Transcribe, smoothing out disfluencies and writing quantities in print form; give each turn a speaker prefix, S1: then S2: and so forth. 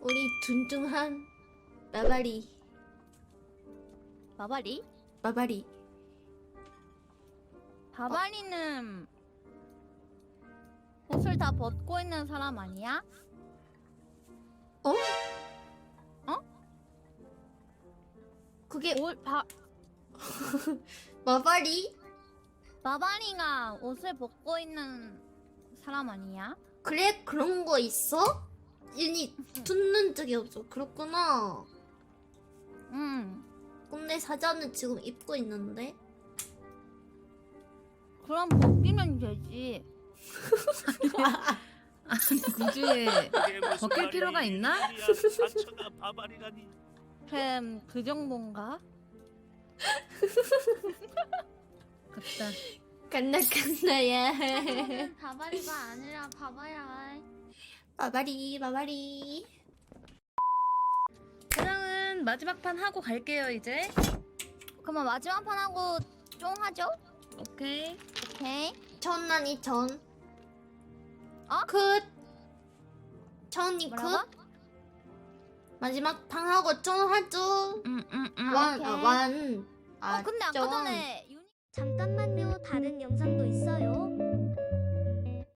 S1: 우리 둔중한 마바리.
S2: 바바리?
S1: 마바리.
S2: 바바리는 옷을 다 벗고 있는 사람 아니야?
S1: 어?
S2: 어?
S1: 그게
S2: 옷
S1: 마바리?
S2: 바바리가 옷을 벗고 있는 사람 아니야?
S1: 그래? 그런 거 있어? 윤이 듣는 적이 없어. 그렇구나.
S2: 응.
S1: 근데 사자는 지금 입고 있는데?
S2: 그럼 벗기면 되지.
S3: 아니 굳이 벗길 필요가 있나?
S4: 사처가 바바리라니.
S2: 그 정도인가?
S3: 갑시다.
S1: 간나간나야.
S5: 바바리가 아니라 바바야.
S1: 마바리 마바리.
S3: 그러면 마지막 판 하고 갈게요 이제.
S2: 그러면 마지막 판 하고 쫑 하죠?
S3: 오케이.
S2: 오케이.
S1: 전난이 전.
S2: 어?
S1: 굿. 전이 굿.
S2: 뭐라고?
S1: 마지막 방 하고 좀 하죠. 완.
S2: 오케이.
S1: 완.
S2: 근데 아까
S1: 좀.
S2: 전에
S5: 잠깐만요. 다른 영상도 있어요.